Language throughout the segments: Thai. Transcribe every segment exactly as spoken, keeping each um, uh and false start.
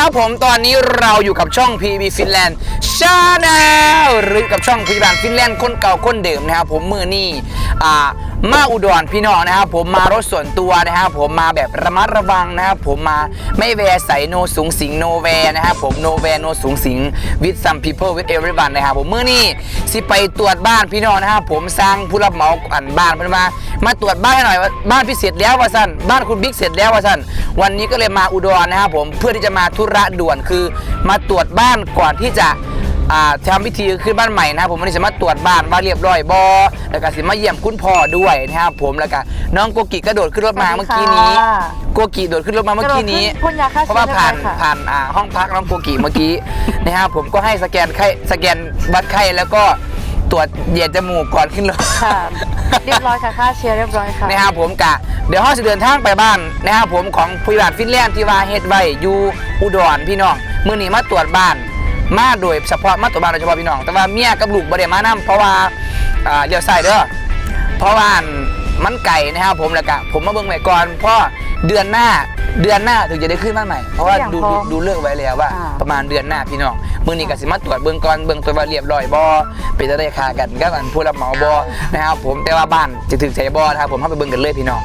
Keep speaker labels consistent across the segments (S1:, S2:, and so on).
S1: ครับผมตอนนี้เราอยู่กับช่อง พี บี Finland Channel หรือกับช่องพยาบาลฟินแลนด์คนเก่าคนเดิมนะครับผมมือนี่อ่ามาอุดรพี่น้องนะครับผมมารถส่วนตัวนะครับผมมาแบบระมัดระวังนะครับผมมาไม่แวร์ใส่โนสูงสิงโนแวร์นะครับผมโนแวร์โนสูงสิง with some people with everyone นะครับผมมือนี่สิไปตรวจบ้านพี่น้องนะครับผมสร้างผู้รับเหมาอันบ้านเพิ่นมามาตรวจบ้านให้หน่อยว่าบ้านพี่เสร็จแล้วว่าสั้นบ้านคุณบิ๊กเสร็จแล้วว่าสั้นวันนี้ก็เลยมาอุดรนะครับผมเพื่อที่จะมาธุระด่วนคือมาตรวจบ้านก่อนที่จะทำพิธีขึ้นบ้านใหม่นะครับผมวันนี้จะมาตรวจบ้านว่าเรียบร้อยบอแล้วก็สิมาเยี่ยมคุณพ่อด้วยนะครับผมแล้วก็น้องโกกิกระโดดขึ้นรถมาเมื่อกี้นี้โกกิโดดขึ้นรถมาเมื่อกี้นี้เพราะว่าผ่านผ่านห้องพักน้องโกกิเมื่อกี้นะครับผมก็ให้สแกนไข้สแกนวัดไข้แล้วก็ตรวจเหยียดจมูกก่อนขึ้นรถ
S2: ค่ะเรียบร้อยค่ะค่าเชียร์เรียบร้อยค่ะ
S1: นะครับผมกะเดี๋ยวห้องจะเดินทางไปบ้านนะครับผมของผู้ใหญ่ฟินแลนด์ที่ว่าเฮ็ดไว้อยู่อุดรพี่น้องมื้อนี้มาตรวจบ้านมาโดยเฉพาะมาตรวจบ้านโดยเฉพาะพี่น้องแต่ว่าเมียกับลูกบ่ได้มานำเพราะว่าอ่าเลี้ยวซ้ายเด้อเพราะว่ามันไก่นะครับผมแล้วก็ผมมาเบิ่งไว้ก่อนเพราะเดือนหน้าเดือนหน้าถึงจะได้ขึ้นบ้านใหม่เพราะว่าดูดูเลือกไว้แล้วว่าประมาณเดือนหน้าพี่น้องมื้อนี้ก็สิมาตรวจเบิ่งก่อนเบิ่งตัวว่าเรียบร้อยบ่เป็นจะได้ค่ากันกับอันผู้รับเหมาบ่นะครับผมแต่ว่าบ้านจะถึงใจบ่นะครับผมเฮาไปเบิ่งกันเลยพี่น้อง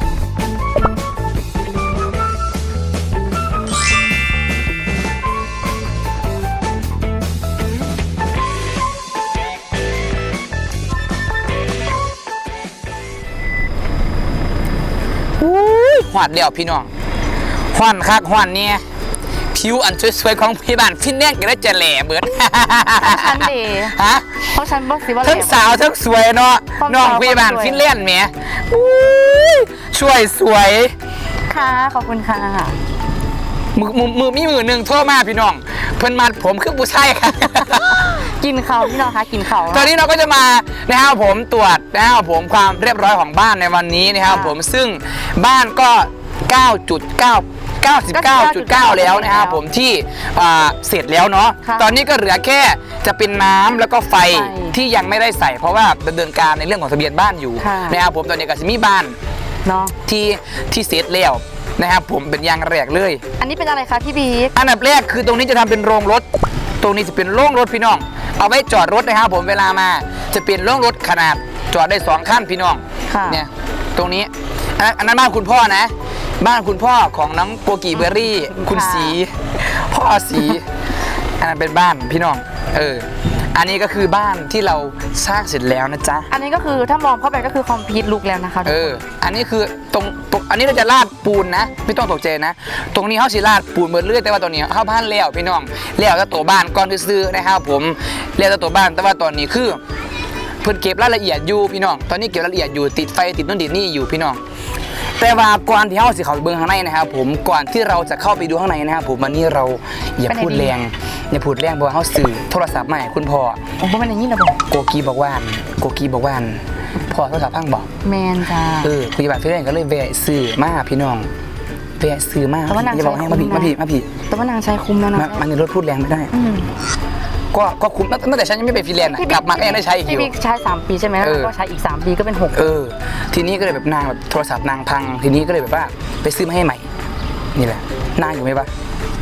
S1: หวานเดียวพี่น้องหวานคักหวานเนี่ยผิวอันสวยๆของพี่บ้านฟินแลนด์ก็ได้จะแหล่เบิด
S2: ฉันดี
S1: ฮะ
S2: เพราะฉันบอกสิว่า
S1: ทั้งสาวทั้งสวยเนาะน้องพี่บ้านฟินแลนด์แหมช่วยสวย
S2: ค่ะขอบคุณค่ะ
S1: มือมือมีมือหนึ่งโทษมากพี่น้องเพิ่นมาผมคือผู้ชายค่ะ
S2: กินเขาพี่น้องคะกินเขา
S1: ตอนนี้เราก็จะมานะครับผมตรวจนะครับผมความเรียบร้อยของบ้านในวันนี้นะครับผมซึ่งบ้านก็ เก้าจุดเก้า เก้าสิบเก้าจุดเก้า แล้วนะครับผมที่เสร็จแล้วเนาะตอนนี้ก็เหลือแค่จะเป็นน้ำแล้วก็ไฟที่ยังไม่ได้ใส่เพราะว่าดำเนินการในเรื่องของทะเบียนบ้านอยู่นะครับผมตอนนี้ก็จะมีบ้าน
S2: เนาะ
S1: ที่ที่เสร็จแล้วนะครับผมเป็นอย่างแรกเลย
S2: อันนี้เป็นอะไรคะพี่บี
S1: อันดับแรกคือตรงนี้จะทำเป็นโรงรถตรงนี้จะเป็นโรงรถพี่น้องเอาไว้จอดรถนะครับผมเวลามาจะเป็นโรงรถขนาดจอดได้สองขั้นพี่น้องเนี่ยตรงนี้อันนั้นบ้านคุณพ่อนะบ้านคุณพ่อของน้องโกกิเบอร์รี่คุณสีพ่อสีอันนั้นเป็นบ้านพี่น้องเอออันนี้ก็คือบ้านที่เราสร้างเสร็จแล้วนะจ๊ะ
S2: อันนี้ก็คือถ้ามองเข้าไปก็คือคอมพลีทลุกแล้วนะคะ
S1: เอออันนี้คือตรงอันนี้เราจะลาดปูนนะไม่ต้องตกใจนะตรงนี้เขาสิลาดปูนเบิดเรื่อยแต่ว่าตอนนี้เข้าบ้านแล้วพี่น้องแล้วจะตัวบ้านก่อนซื้อนะครับผมแล้วจะตัวบ้านแต่ว่าตอนนี้คือเพิ่นเก็บรายละเอียดอยู่พี่น้องตอนนี้เก็บรายละเอียดอยู่ติดไฟติดนู่นติดนี่อยู่พี่น้องแต่ว่าก่อนที่เราสิเข้าไปเบื้องข้างในนะครับผมก่อนที่เราจะเข้าไปดูข้างในนะครับผมวันนี้เราอย่าพูดแรงอย่าพูดแรงเพราะว่าเขาสื่อโทรศัพท์มาให้คุณพ่อ
S2: ผมก็ไม่ได้ยินนะบอก
S1: โกกีบอกว่าโกกีบอกว่าพ่อโทรศัพท์พังบอก
S2: แมนจ้า
S1: เออคุยแบบพี่เล่นก็เลยแวะสื่อมาพี่น้องแวะสื่อมาอย่าบอกให้มาพี่มาพี่มาพี่
S2: แต่ว่านางใช้คุ้มแล้วนะ
S1: มันในรถพูดแรงไม่ได้ก็ก็คุ้มตั้งแต่ฉันยังไม่ไปฟินแลนด์กลับมาก็ยังได้ใช้อยู่
S2: พี่บิ๊กใช้สามปีใช่ไหมแล้วก็ใช้อีกสามปีก็เป็นหก
S1: เออทีนี้ก็เลยแบบนางแบบโทรศัพท์นางพังทีนี้ก็เลยแบบว่าไปซื้อมาให้ใหม่นี่แหละนางอยู่ไหมปะ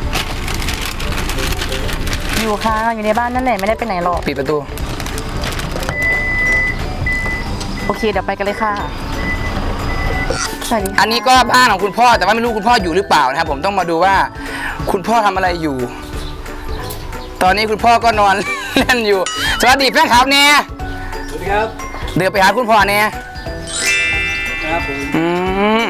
S2: อยู่ค่ะอยู่ในบ้านนั่นแหละไม่ได้ไปไหนหรอก
S1: ปิดประตู
S2: โอเคเดี๋ยวไปกันเลยค่ะ
S1: อันนี้ก็บ้านของคุณพ่อแต่ว่าไม่รู้คุณพ่ออยู่หรือเปล่านะครับผมต้องมาดูว่าคุณพ่อทำอะไรอยู่ตอนนี้คุณพ่อก็นอนเล่นอยู่สวัสดีแฟนคลับเนี่ย
S3: สวัสดีครับ
S1: เดี๋ยวไปหาคุณพ่อเนี่ย
S3: ครับผม
S1: อืม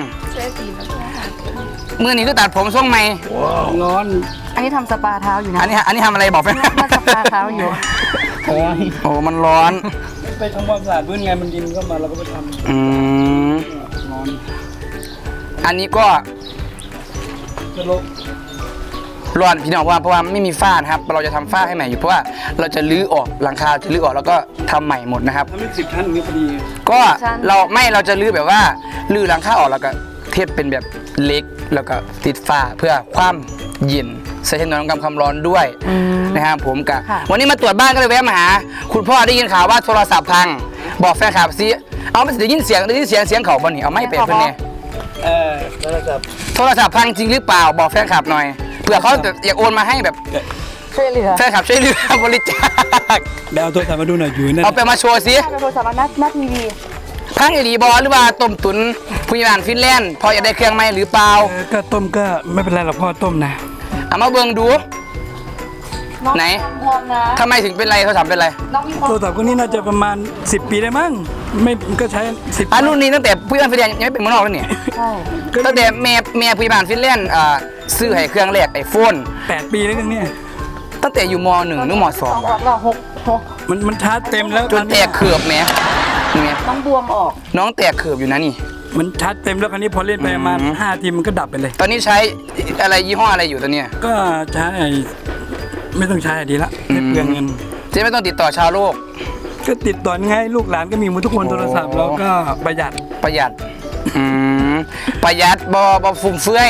S1: มือนี้ก็ตัดผมทรงใหม่
S3: ร้อน
S2: อันนี้ทำสปาเท้าอยู่นะ
S1: อันนี้อันนี้ทำอะไรบอกแฟน
S2: มาสปาเท้าอยู่
S1: โอ้มันร้อน
S3: ไปทำความสะอาดพื้นไงมันดินก็มาเราก็ไปทำ
S1: อืม
S3: ร้อน
S1: อันนี้ก็
S3: จะลบ
S1: ร้อนพี่น้องว่าเพราะว่าไม่มีฝ้านะครับเราจะทำฝ้าให้ใหม่อยู่เพราะว่าเราจะรื้อออกหลังคาจะรื้อออกแล้วก็ทำใหม่หมดนะครับ
S3: ทำเป็นสิบชั้นอย่างนี้พอดี
S1: ก็เราไม่เราจะรื้อแบบว่ารื้อหลังคาออกแล้วก็เทปเป็นแบบเล็กแล้วก็ติดฝ้าเพื่อความเย็นใช้ถนนกำความร้อนด้วยนะครับผมกะวันนี้มาตรวจบ้านก็เลยแวะมาหาคุณพ่อได้ยินข่าวว่าโทรศัพท์พังบอกแฟนคลับซิเอาไม่ได้ยินเสียงได้ยินเสียงเสียงเขาบ่นี่เอาไม่เป็นเพื่อนเนี่ย
S3: เออโทรศัพท์
S1: โทรศัพท์พังจริงหรือเปล่าบอกแฟนคลับหน่อยเผื่อเขาอยากโอนมาให้แบบ
S2: ช่วยเหลือ
S1: แฟนคลับช่วยเหลือบริจาค
S3: เดี๋ยวเอาโทรศัพท์มาดูหน่อยอยู่นั่น
S1: เอาไปมาโชว์สิ
S2: เป็นโทรศัพท์หน้าหน้าทีวี
S1: พังอีหลีบอหรือว่าต้มตุ๋นผู้ใหญ่บ้านฟินแลนด์พออยากได้เครื่องไหมหรือเปล่า
S3: เออก็ต้มก็ไม่เป็นไรหรอกพ่อต้มนะ
S1: เอามาเบิ่งดู ไหน
S2: บวมนะ
S1: ทำไมถึงเป็นไรเขาถามเป็นไร
S2: น้องมีความ
S3: โทรศัพท์ก็นี่น่าจะประมาณสิบปีได้มั้งไม่ก็ใช้สิบ
S1: อันรุ่นนี้ตั้งแต่ผู้ใหญ่บ้านฟินแลนด์ยังไม่เป็นเมืองนอกแล้วเนี่ย
S2: ใช่
S1: ตั้งแต่แม่แม่ผู้ใหญ่บ้านฟินแลนด์อ่าซื้อให้เครื่องแรกไอโฟน
S3: แปดปีแล้วเนี่ย
S1: ตั้งแต่อยู่มหนึ่งหรือมสอง
S2: สองขวบเราหกหก
S3: มันมันชาร์จเต็มแล้ว
S1: จนแตกเขือบแม่เนี่ย
S2: น้องบวมออก
S1: น้องแตกเขือบอยู่นะนี่
S3: มันชาร์จเต็มแล้วคราวนี้พอเล่นไปประมาณ
S1: อืม
S3: ห้าทีมันก็ดับไปเลย
S1: ตอนนี้ใช้อะไรยี่ห้ออะไรอยู่ตอนเนี้ย
S3: ก็ใช้ไม่ต้องใช้ดีละไม่เปลืองเงิน
S1: จะไม่ต้องติดต่อชาวโลก
S3: ก็ติดต่อง่ายลูกหลานก็มีหมดทุกคนโทรศัพท์แล้วก็ประหยัด
S1: ประหยัดอืมประหยัดบอบอฟุ่มเฟือย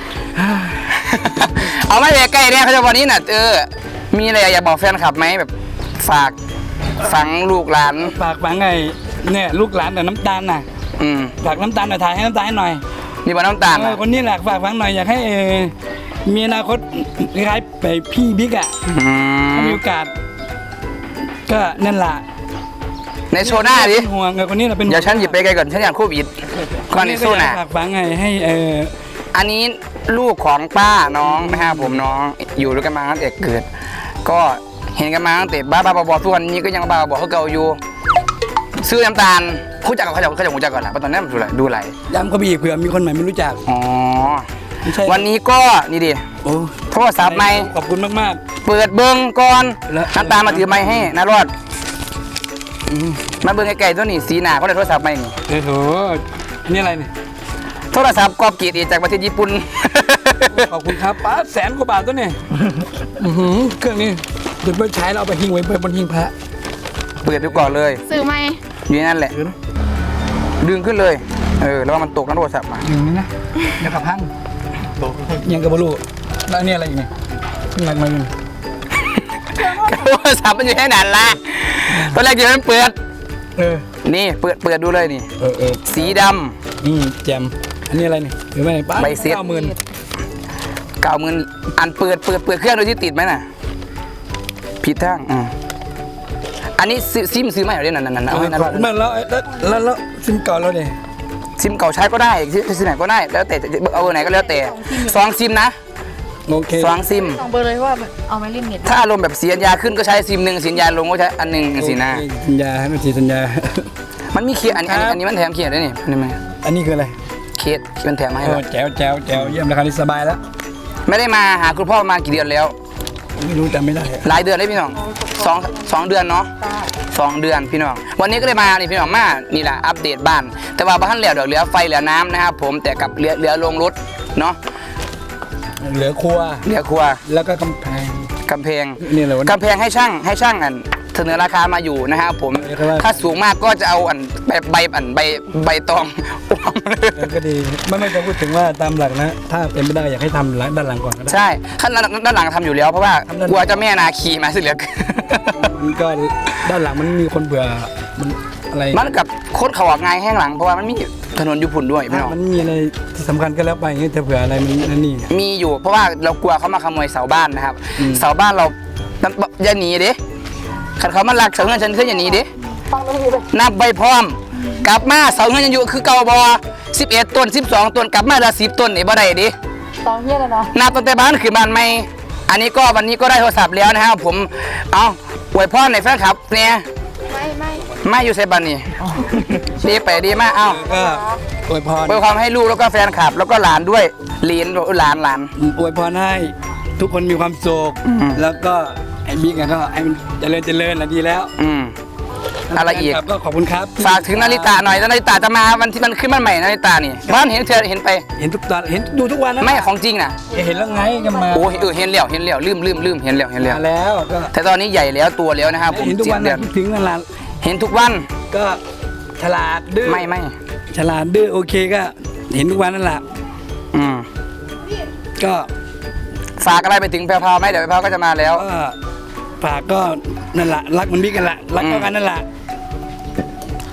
S1: เอาไม่ใกล้ๆเนี่ยเขาจะวันนี้น่ะเออมีอะไรอยากบอกแฟนคลับไหมแบบฝากฝังลูกหลาน
S3: ฝากฝังไงเนี่ยลูกหลานแต่น้ำตาลน่ะ
S1: อืม
S3: ฝากน้ำตาลหน่อยถ่ายให้น้ำตาลให้หน่อย
S1: นี่บอน้ำตาล
S3: เอ
S1: น่ะ
S3: อคนนี้แหละฝากฝังหน่อยอยากให้เออมีอนาคตคล้ายๆไปพี่บิ๊กอ่ะ
S1: อื
S3: ถ้าม มีโอกาส ก็นั่นแหละ
S1: ในโชว์หน้าดิ
S3: เป็นห่วงเออคนนี้เราเป็นห่วง
S1: เดี๋ยวฉันหยิบไปไกลก่อนฉันอยากโควิดก่อนในสู้น่ะ
S3: ฝากฝังไงให้เออ
S1: อันนี้ลูกของป้าน้องนะครับผมน้องอยู่ด้วยกันมาตั้งแต่เกิด ก็เห็นกันมาตั้งแต่บ้าบ้าบอทุกวันนี้ก็ยังบ้าบอเขาเก่าอยู่ซื้อน้ำตาลคู่จักกับเขาจะเขาจะหูจักก่อนแหละเพราะตอนนี้มันดูอะไรดูอะไร
S3: ย้ำก็มีอีกเผื่อมีคนใหม่ไม่รู้จัก
S1: อ๋อ
S3: ไม่ใช่
S1: วันนี้ก็นี่ดิ
S3: โอ้
S1: โทรศัพท์ใหม่
S3: ขอบคุณมาก
S1: เปิดเบิ้งก่อน
S3: แล้ว
S1: น้ำตาลมาถือไม้ให้นารอดอืมมาเบิ้งไกลๆตัวนี้สีหนาเขาได้โทรศัพท์ใหม่นี่
S3: ๆโอ้โหนี่อะไรเนี่ย
S1: โทรศัพท์กอบเกียรติจากประเทศญี่ปุ่น
S3: ขอบคุณครับป้าแสนกว่าบาทตัวเนี่ยอื้อหือเครื่องนี้เดี๋ยวไปใช้แล้วเอาไปหิ้งไว้บนหิ้งพระ
S1: เปิดดูก่อนเลย
S2: ซื้อไหม
S1: อยู่ในนั่นแหละ
S3: เออนะ
S1: ดึงขึ้นเลยเออแล้วมันตกน้ำโทรศัพท์มา
S3: อย่างนี้นะเดี๋ยวกับพังยังกับบลูแล้วอันนี่อะไรอีกเนี่ยอะไรมาอยู่
S1: โทรศัพท์มันอยู่แค่นั้นละตอนแรกจะมันเปิด
S3: เออ
S1: นี่เปิดเปิดดูเลยนี่
S3: เออเออ
S1: สีด
S3: นี่แจมอันนี้อะไรเนี่ยหรือไม่ป้า
S1: ใบเสร็จ
S3: เก้าหมื่น
S1: ำเก่ามืนอันเปิดเปิดเปิดเครื่องโดยที่ติดไหมน่ะผิดทางอืมอันนี้ซื้อซิมซื้อมาอยู่ด้วยนั่นนั่นนั่นเอาให้นั่น
S3: ขอบคุณมากแล้วแล้วแล้วแล้วซิมเก่าแล้วเนี่ย
S1: ซิมเก่าใช้ก็ได้ซิซิมไหนก็ได้แล้วแต่จะเอาเบอร์ไหนก็แล้วแต่สองซิมนะ
S3: โอเค
S1: สองซิม
S2: สองเบอร์เลยว่าเอาไว้เล่นเน็ต
S1: ถ้าอารมณ์แบบเสียยาขึ้นก็ใช้ซิมหนึ่งเสียยาลงก็ใช้อันหนึ่งสินะ
S3: โอเคสัญญาให้มันทีสัญญา
S1: มันมีเคสอันนี้อันนี้อันนี้มันแถมเคสด้วยนี่นี่มัน
S3: อันนี้คืออะไร
S1: เคสที่มันแถมมาให้
S3: โอ้
S1: เรา
S3: แจ๋วแจ๋วแจ๋วเยี่ยมราคานี้สบายแล้ว
S1: ไม่ได้มาหาคุณพ่อมากี่เดือนแล้ว
S3: ไม่รู้จำไม่ได้อะ
S1: หลายเดือนเลยพี่น้องสองสองเดือนเนาะสองเดือนพี่น้องวันนี้ก็เลยมานี่พี่น้องมานี่แหละอัปเดตบ้าน แต่ว่าบ้านเหลือเดี๋ยวเหลือไฟเหลือน้ำนะครับผมแต่กับเหลือเหลือลงรถเนาะ
S3: เหลือครัว
S1: เหลือครัว
S3: แล้วก็กำแพง
S1: กำแพง
S3: นี่อะไรวะ
S1: กำแพงให้ช่างให้ช่างอันเสนอราคามาอยู่นะครับผม
S3: เออครับว่า
S1: ถ้าสูงมากก็จะเอาอันใบใบอันใบใบตอง อวมเลย
S3: เออก็ดีไม่ไม่จะพูดถึงว่าตามหลักนะ ถ้าเป็นไม่ได้อยากให้ทำหลังด้านหลังก่อนก็ได้
S1: ใช่ขั้นด้านหลังทำอยู่แล้วเพราะว่า
S3: ทำด้านหลัง
S1: กลัวเจะแม่นาคีมาสิเหลือเกิน
S3: มันก็ด้านหลังมันมีคนเบื่อมันอะไร
S1: มันกับโคตรเขาออกไงายแห้งหลังเพราะว่ามันมีถนนอยู่พุ่นด้วยพี่น้อง
S3: มันมีอะไรที่สำคัญก็แล้วไปอย่างเงี้ยแต่เผื่ออะไรมันนั่นนี่
S1: มีอยู่เพราะว่าเรากลัวเขามาขโมยเสาบ้านนะครับ
S3: อืม
S1: เสาบ้านเราอย่าหนีเด้ขันเขามาลักเสาเงินฉันขึ้นอย่าหนีเด้
S2: ฟังไม่ดีเลย
S1: นับใบพร้อม กลับมาเสาเงินยังอยู่คือเก่าบอสิบเอ็ดต้นสิบสองต้นกลับมาละสิบต้นไอ้บ่ได้เดิ
S2: ตองเฮียเลยนะ
S1: นับตั้งแต่บ้านคือบ้านใหม่อันนี้ก็วันนี้ก็ได้โทรศัพท์แล้วนะครับผมเอาอวยพรในแฟนคลับเนี่ย
S2: ไม่ไม่
S1: มาอยู่เซบันนี่ดีไปดีมากเอ้า
S3: ก็อวยพร
S1: อวยความให้ลูกแล้วก็แฟนคลับ แล้วก็หลานด้วยหลีนหลานหลาน
S3: อวยพรให้ทุกคนมีความสุข
S1: อืม
S3: แล้วก็ไอ้บิ๊กอะก็ให้มันเจริญเจริญนะดีแล้ว
S1: อืมอะไรอีก
S3: ครับก็ขอบคุณครับ
S1: ฝากถึงนาริตาหน่อยนาริตาจะมาวันที่มันขึ้นบ้านใหม่นาริตานี่บ้านเห็นเธอเห็นไป
S3: เห็นทุกตอนเห็นดูทุกวันนะ
S1: ไม่ของจริงนะ
S3: เห็นแล้วไงก็มา
S1: โอ้เออเห็นแล้วเห็นแล้วลืมลืมลืมเห็นแล้วเห็นแล้ว
S3: มาแล้วก็
S1: แต่ตอนนี้ใหญ่แล้วตัวแล้วนะครับผม
S3: เห็นทุก
S1: เจ็
S3: วั
S1: ด
S3: น
S1: เดื
S3: นะ
S1: อน
S3: คิดถึงนั่นแหละ
S1: เห็นทุกวัน
S3: ก็ฉลาดดื้อ
S1: ไม่ไม่
S3: ฉลาดดื้อโอเคก็ เห็นทุกวันนั่นแหละ
S1: อืม
S3: ก็
S1: ฝากอะไรไปถึงแพรวๆไหมเดี๋ยวแพรวๆก็จะมาแล้ว
S3: ก็ฝากก็นั่นแหละรักเหมันบิ๊กกันแหละรักเท่ากันนั่นแหละ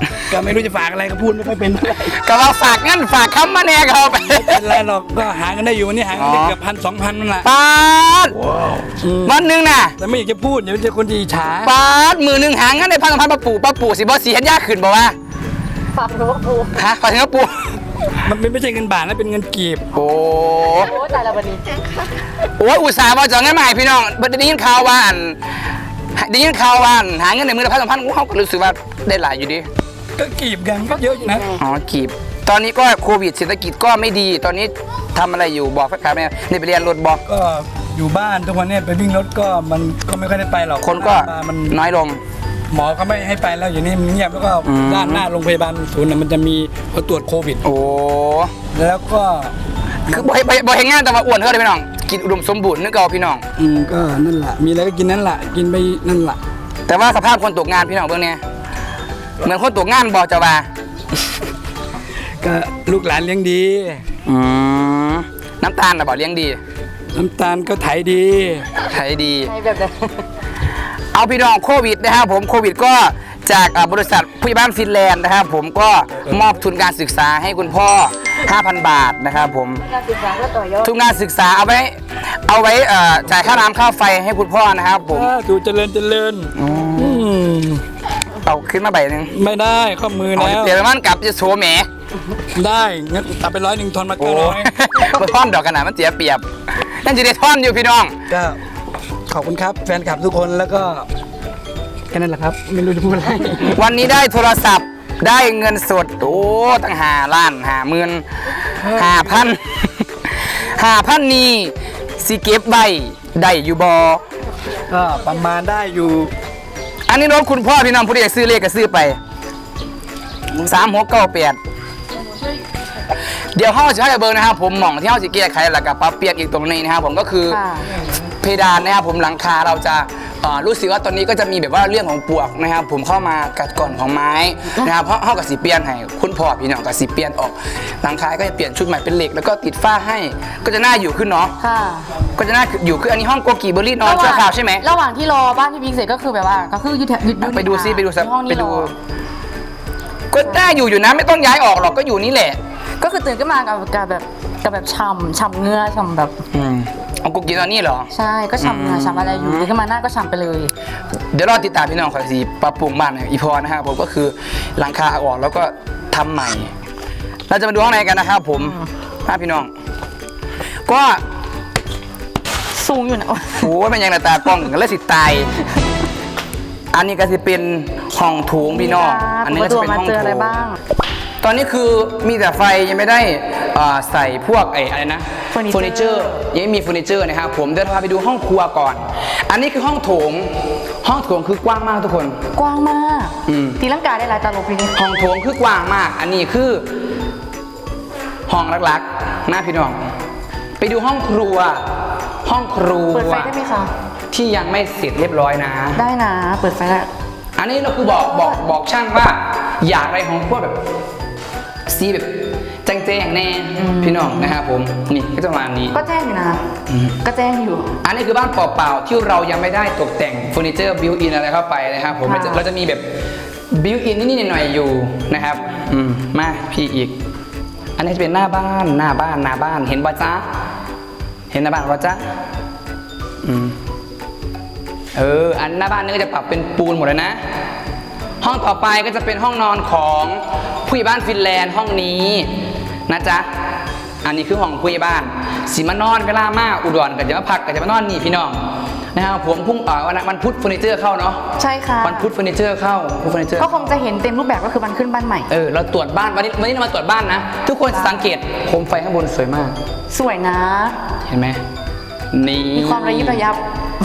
S3: ก็ไม่รู้จะฝากอะไรก็พูดไม่ค่อยเป็นเท่าไหร่
S1: ก็ว่าฝากงั้นฝากคำมาแน่เขาไป
S3: เป็นไรหรอกก็หากันได้อยู่วันนี้หากันได้เกือบพันสองพันนั่นแหละ
S1: ปาดวันหนึ่งน่ะ
S3: แต่ไม่อยากจะพูดเดี๋ยวจะคนที่อิจฉา
S1: ปาดมือหนึ่งหางงั้นในพันสองพันปลาปู่ปลาปู่สิบอสีเห็นยากขึ้นบอกว่า
S2: ฝากหนูว่าปู
S1: ฮะฝากถึงปลาปู่
S3: มันเป็นไม่ใช่เงินบาทนะเป็นเงินกีบ
S1: โอ้
S2: โอ้ตายแล้ววันนี้
S1: โหอุตส่าห์มาจองเงินมาให้พี่น้องได้ยินข่าวว่าอันได้ยินข่าวว่าอันหาเงินในมือละพันสองพันเขาก็รู้สึกว่าได้หลายอยู่ดิ
S3: ก็กีบกันก็เยอะอยู่นะ
S1: อ๋อกีบตอนนี้ก็โควิดเศรษฐกิจก็ไม่ดีตอนนี้ทำอะไรอยู่บอกแฟนๆเนี่ยนี่ไปเรียนรถบอก
S3: ก็อยู่บ้านทุกวันเนี้ไปวิ่งรถก็มันก็ไม่ค่อยได้ไปหรอก
S1: คนก็
S3: มัน
S1: น้อยลง
S3: หมอก็ไม่ให้ไปแล้วอย่างนี้มันเงียบแล้วก็
S1: อืม
S3: ด้านหน้าโรงพยาบาลศูนย์น่ะมันจะมีเขาตรวจโควิด
S1: โอ้
S3: แล้วก็
S1: คือบ่ให้บ่ให้งานแต่ว่าอ้วนเท่าเลยพี่น้องกินอุดมสมบูรณ์นึกเอาพี่น้อง
S3: อืมก็นั่นแหละมีอะไรก็กินนั่นแหละกินไปนั่นแหละ
S1: แต่ว่าสภาพคนตกงานพี่น้องเบื้องเนี้ยเหมือนคนตกงานบอจะว่า
S3: ก็ลูกหลานเลี้ยงดี
S1: อืมน้ำตาลนะบอกเลี้ยงดี
S3: น้ำตาลก็ไถดี
S1: ใช้ดี
S2: ในแบบนั้น
S1: เอาพี่น้องโควิดนะครับผมโควิดก็จากอ่าบริษัทผู้ใหญ่บ้านฟินแลนด์นะครับผมก็มอบทุนการศึกษาให้คุณพ่อ ห้าพัน บาทนะครับผม
S2: การศึกษาก็ต่อยอด
S1: ทุนการศึกษาเอาไว้เอาไว้เอ่อจ่ายค่าน้ำค่าไฟให้คุณพ่อนะครับผม
S3: อ่าดูเจริญเจริญอืม
S1: เอาขึ้นมาใบหนึ่ง
S3: ไม่ได้ข้อมือ
S1: เอา
S3: แล้ว
S1: เดี๋ยวมันกลับจะโชว์แหม
S3: ได้งั้นตัดไปร้อยหนึ่งทอนมา
S1: โอ้
S3: เก้าร้อย
S1: มาท่อนดอกขนาดมันเสียเปรียบนั่นจะได้ท่อนอยู่พี่น้อง
S3: ก็ขอบคุณครับแฟนคลับทุกคนแล้วก็แค่นั้นแหละครับไม่รู้จะพูดอะไร
S1: วันนี้ได้โทรศัพท์ได้เงินสดโอ้ตั้งหาล้านหาหมื่นหาพันหาพันนี่สิเก็บใบได้อยู่บอ
S3: ก็ประมาณได้อยู่
S1: อันนี้รถคุณพ่อพี่น้องผู้ใดอยากซื้อเลขก็ซื้อไปสามหกเก้าแปดเดี๋ยวห้องจะให้เบอร์นะครับผมหม่องที่ห้องจะแก้ไขแล้วก็ปรับเปลี่ยนอีกตรงนี้นะครับผมก็คือ
S2: ค่ะ
S1: เพดานนะครับผมหลังคาเราจะเอ่อรู้สึกว่าตอนนี้ก็จะมีแบบว่าเรื่องของปลวกนะครับผมเข้ามากัดก่อนของไม้นะครับเพราะห้องกับสีเปลี่ยนให้คุณพ่อพี่น้องกับสีเปลี่ยนออกหลังคาก็จะเปลี่ยนชุดใหม่เป็นเหล็กแล้วก็ติดฝ้าให้ก็จะน่าอยู่ขึ้นเนาะ
S2: ค่ะ
S1: ก็จะน่าอยู่ขึ้นอันนี้ห้องโกกีเบอร์รี่นอนชั่วคราวใช่ไหม
S2: ระหว่างที่รอบ้านพี่พิงเสร็จก็คือแบบว่าก็คือยึดแถวยึดยึด
S1: ไปดูซิไปดูซิ
S2: ห้อง
S1: ไป
S2: นี้ร
S1: ดู
S2: อ
S1: ก็น่าอยู่อยู่นะไม่ต้องย้ายออกหรอกก็อยู่นี่แหละ
S2: ก็คือตื่นขึ้นมากับกับแบบกับแบบฉ่ำฉ่ำเงื้อฉ่ำแบบ
S1: อืมเอาโกกีตอนนี้เหรอ
S2: ใช่ก็ฉ่ำเงื้อฉ่ำอะไรอยู่ตื่นขึ้นมาหน้าก็ฉ่ำไปเลย
S1: เดี๋ยวรอติดตามพี่น้องขอยสีปรับปรุงบ้านเนี่ยอีพอนะครับผมก็คือหลังคาเอาออกแล้วก็ทำใหม่ เราจะมาดูข้างในกันนะครับผมมาพี่น้อง ก็
S2: สูงอยู่นะ
S1: โอ้ยเป็นยังไงตากล้องกันแล้วสิตาย อันนี้ก็จะเป็นห้องโถงพี่น้องอันนี้ก็จะเป็นห้อง
S2: เจอ
S1: โถ
S2: อะไร
S1: ง
S2: บ้าง
S1: ตอนนี้คือมีแต่ไฟยังไม่ได้อ่าใส่พวกไอ้อะไรนะ
S2: เฟอร์นิเจอร์
S1: ยังไม่มีเฟอร์นิเจอร์นะครับผมเดี๋ยวพาไปดูห้องครัวก่อน อันนี้คือห้องโถง ห้องโถงคือกว้างมากทุกคน
S2: กว้างมาก
S1: อืม
S2: ตีลังกาได้หลายตลบพี่นี่
S1: ห้องโถงคือกว้างมาก อันนี้คือห้องรักๆหน้าพี่น้อง ไปดูห้องครัว ห้องครัว
S2: เปิดไฟได้ไหมคะ
S1: ที่ยังไม่เสร็จเรียบร้อยนะ
S2: ได้นะ เปิดไฟได้
S1: อันนี้เราคือบอกบอกบอกช่างว่า อยากอะไรของพวกแบบสีแบบแจ้งแจ้งๆแน่พี่น้องนะครับผมนี่ก็จะประมาณนี้
S2: ก็แจ้งอยู่นะ ก็แจ้งอยู่
S1: อันนี้คือบ้านเปล่าๆที่เรายังไม่ได้ตกแต่งเฟอร์นิเจอร์บิวอินอะไรเข้าไปนะครับผม
S2: ค่ะ
S1: เราจะเราจะมีแบบบิวอินนิดๆหน่อยๆอยู่นะครับอืมมาพี่อีก อันนี้จะเป็นหน้าบ้านหน้าบ้านหน้าบ้านเห็นบ่จ๊ะเห็นหน้าบ้านบ่จ๊ะอืมเอออันหน้าบ้านนี่ก็จะปรับเป็นปูนหมดเลยนะ ห้องต่อไปก็จะเป็นห้องนอนของผู้ใหญ่บ้านฟินแลนด์ห้องนี้นะจ๊ะ อันนี้คือห้องผู้ใหญ่บ้านสิมานอนเวลามาอุดรก็จะมาพักก็จะมานอนนี่พี่น้องนะครับผมพุ่งเอ่อวันวันพุธเฟอร์นิเจอร์เข้าเนาะ
S2: ใช่ค่ะ
S1: วันพุธเฟอร์นิเจอร์เข้าพุธเฟอร์นิเจอร์
S2: ก็คงจะเห็นเต็มรูปแบบก็คือวันขึ้นบ้านใหม่
S1: เออเราตรวจบ้านวันนี้วันนี้เรามาตรวจบ้านนะ ทุกคนสังเกตโคมไฟข้างบนสวยมาก
S2: สวยนะ
S1: เห็นไหมนี่
S2: มีความระยิบระยับ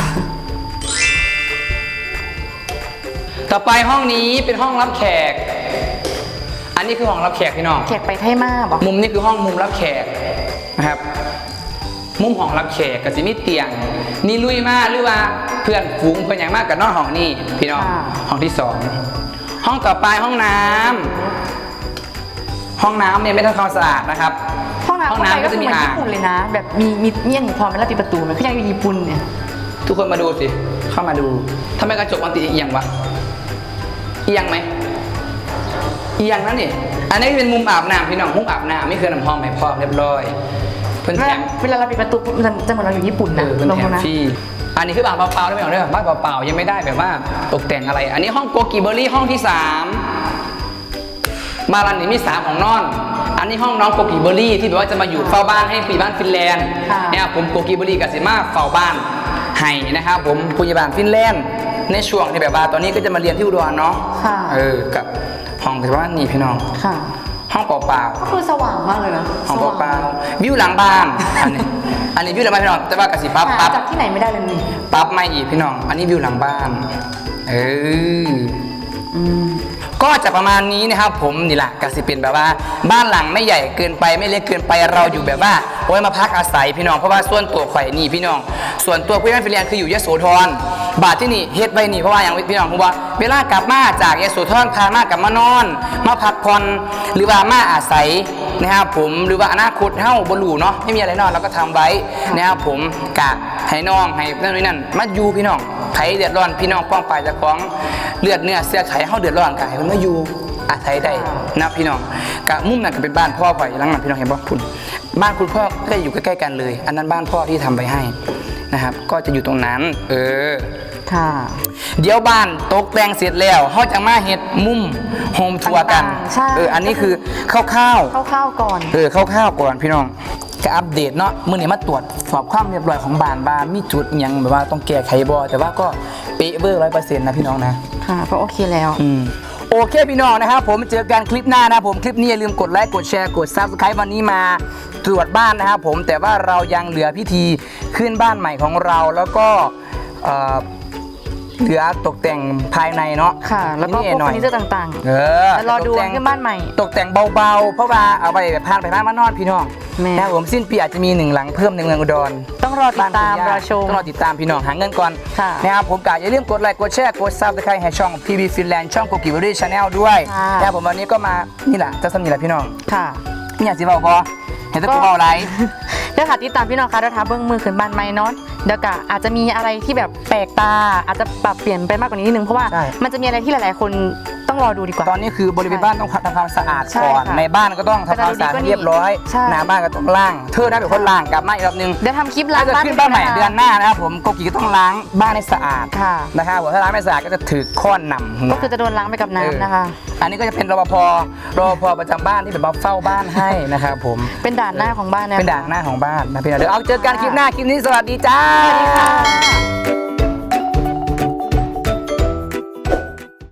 S1: ต่อไปห้องนี้เป็นห้องรับแขก อันนี้คือห้องรับแขกพี่น้อง
S2: แขกไปไทยมาบอก
S1: มุมนี้คือห้องมุมรับแขกนะครับ มุมห้องรับแขกกับสิมีเตียง นี่ลุยมากหรือว่าเพื่อนฝูงเพื่อนอย่างมากกับนอนห้องนี่พี่น้องห้องที่สองห้องต่อไปห้องน้ำห้องน้ำเนี่ยไม่ทำความสะอาดนะครับ
S2: ห้องน้ำ
S1: ห้อง
S2: เข้าไป
S1: น้ำ
S2: ก็
S1: ก็
S2: คื
S1: จะ
S2: อ
S1: มี
S2: เหมือน
S1: อ่าง
S2: ญี่ปุ่นเลยนะ แบบมีมีเงี้ยนพอเป็นแล้วปิดประตูมันก็ยังอยู่ญี่ปุ่นเนี่ย
S1: ทุกคนมาดูสิเข้ามาดูทำไมกระจกมันติดเอียงวะเอียงไหมอีกอย่างนั้นนี่อันนี้เป็นมุมอาบน้ำพี่น้องมุมอาบน้ำไม่เคยน้ำหอมไม่พร้อมเรียบร้อยเพิ่น
S2: เว
S1: แถ
S2: ลาม เวลาเราปิดประตูปุ๊บจะจะเหมือนเราอยู่ญี่ปุ่น
S1: เอ
S2: นะ
S1: อเพิ่น
S2: ลง
S1: แถม
S2: นะ
S1: ฟรีอันนี้คือบ้านเปล่าๆได้ไหมเอาเด้อบ้านเปล่าๆยังไม่ได้แบบว่าตกแต่งอะไร อันนี้ห้องโกกิเบอรี่ห้องที่สามบ้านหลังนี้มีสามของนอน อันนี้ห้องน้องโกกิเบอรี่ที่แบบว่าจะมาอยู่เฝ้าบ้านให้ปีบ้านฟินแลนด์เนี่ยผมโกกิเบอรี่กับสิมาเฝ้าบ้านให้นะครับผมปุยบานฟินแลนด์ในช่วงที่แบบว่าตอนนี้ก็จะมาเรียนที่อุดรเนาะ
S2: ค่ะ
S1: เออกับห้องที่ว่านี่พี่น้อง
S2: ค่ะ
S1: ห้องเปล่า
S2: ก็คือสว่างมากเลยนะ
S1: ๆห้องเปล่าๆวิวหลังบ้านอันนี้อันนี้วิวหลังบ้านพี่น้องแต่ว่ากับสิปั๊บ
S2: หา
S1: ปั๊บ
S2: จากที่ไหนไม่ได้เลยนี่
S1: ปั๊บไม่อีกพี่น้อง อันนี้วิวหลังบ้านเออ
S2: อืม
S1: ก็จะประมาณนี้นะครับผมนี่แหละกสิเป็นแบบว่าบ้านหลังไม่ใหญ่เกินไปไม่เล็กเกินไปเราอยู่แบบว่าโอ้ยมาพักอาศัยพี่น้องเพราะว่าส่วนตัวข่อยนี่พี่น้อง ส่วนตัวพี่น้องฟิลแลนด์คืออยู่ยโสธรบาทที่นี่เฮ็ดไว้นี่เพราะว่าอย่างพี่น้องผมว่าเวลากลับมาจากยโสธรพามากลับมานอน มาพักผ่อนหรือว่ามาอาศัยนะครับผมหรือว่าอนาคตเฮ้าบรูเนาะไม่มีอะไรนอนเราก็ทำไว้นะครับผมกะให้น้องให้นั่นนี่นั่นมาอยู่พี่น้องไผเดือดร้อนพี่น้องป้องไปจากของเลือดเนื้อเสื้อไขเฮาเดือดร้อนกายมันมาอยู่อาศัยได้นะพี่น้องกะมุมนั้นก็เป็นบ้านพ่อข่อยหลังนั้นพี่น้องเห็นบ่คุณบ้านคุณพ่อก็อยู่ใกล้ๆกันเลย อันนั้นบ้านพ่อที่ทำไว้ให้นะครับก็จะอยู่ตรงนั้นเออ
S2: ค่ะ
S1: เดี๋ยวบ้านตกแต่งเสร็จแล้วเฮาจะมาเฮ็ดมุมโฮมทัวร์กัน
S2: ต่างๆใช่
S1: เอออันนี้คือคร่าวๆ
S2: คร่าวๆก่อน
S1: เออคร่าวๆก่อนพี่น้องก็อัปเดตเนาะมื้อนี้มาตรวจสอบความเรียบร้อยของบ้านบ้านมีจุดอิหยังแบบว่าต้องแก้ไขบ่แต่ว่าก็เป๊ะเวอร์ร้อยเปอร์เซ็นต์นะพี่น้องนะ
S2: ค่ะก็โอเคแล้ว
S1: อืมโอเคพี่น้องนะครับผมเจอกันคลิปหน้านะครับผมคลิปนี้อย่าลืมกดไลค์กดแชร์กด ซับสไครบ์ วันนี้มาตรวจบ้านนะครับผมแต่ว่าเรายังเหลือพิธีขึ้นบ้านใหม่ของเราแล้วก็เอ่อเหลือตกแต่งภายในเนาะ
S2: ค่ะ แล้วก็พวก
S1: นิด
S2: เฟ
S1: ห
S2: อ
S1: น่อย
S2: ร์นิเจอร์ต่าง
S1: เออ
S2: ๆแล้วรอดู
S1: ตกแต่ง
S2: ขึ้นบ้านใหม่
S1: ตกแต่งเบาๆเพราะว่าเอาไปแบบพานไปพานมานอนพี่น้อง
S2: แม่
S1: นะครับผมสิ้นปีอาจจะมีหนึ่งหลังเพิ่มในเมืองอุดร
S2: ต้องรอติดตาม
S1: บ้นคุณย่
S2: รอชม
S1: ต้องรอติดตามพี่น้องหาเงินก่อน
S2: ค่ะ
S1: นะครับผมกะอย่าลืมกดไลค์กดแชร์กดซับสไครต์ให้ช่อง พี บี Finland ช่อง โกกิเบอรี่ Channel ด้วย
S2: ค่ะ
S1: นะครับผมวันนี้ก็มานี่แหละจะสนิทแหละพี่น้อง
S2: ค่ะ
S1: นี่อยากสิเบาพอเห็นแตะกูเบาไร
S2: เดี๋ยวค่ะติดตามพี่น้องคะเดี๋ยวท้าเบิ้งมือขึ้นบ้านใหม่เนาะเดี๋ยวกะอาจจะมีอะไรที่แบบแปลกตา อาจจะปรับเปลี่ยนไปมากกว่านี้นิดนึงเพราะว่า
S1: ใช่
S2: มันจะมีอะไรที่หลายๆ คนต้องรอดูดีกว่า
S1: ตอนนี้คือบริเวณบ้านต้องทำความสะอาด
S2: ใช่
S1: ก่อน
S2: ค่ะ
S1: ในบ้านก็ต้องทำความสะอาดให้เรียบร้อย
S2: ใช่
S1: หน้าบ้านก็ต้องล้างเธอได้เป็นคนล้างกลับมาอีกรอบนึง
S2: เดี๋ยวทำคลิปล้า
S1: ถ้าง จะ
S2: บ้าน
S1: ขึ้นบ้านใหม่
S2: ให้
S1: เดือนหน้านะครับผมโกกิก็ต้องล้างบ้านให้สะอาด
S2: ค่ะ
S1: นะครับผมถ้าล้างไม่สะอาดก็จะถือค้อนหนำหัว
S2: ก็คือจะโดนล้างไปกับน้ำนะคะ
S1: อันนี้ก็จะเป็นรปภรปภประจำบ้านที่แบบมาเฝ้าบ้านให้นะครับผม
S2: เป็นด่านหน้าของบ้านนะ
S1: เป็นด่านหน้าของบ้านนะพี่น้องเดี๋ยวเอาเจอกันคลิปหน้าคลิปนี้สวัสดีจ้า
S2: สวัสดีค่ะ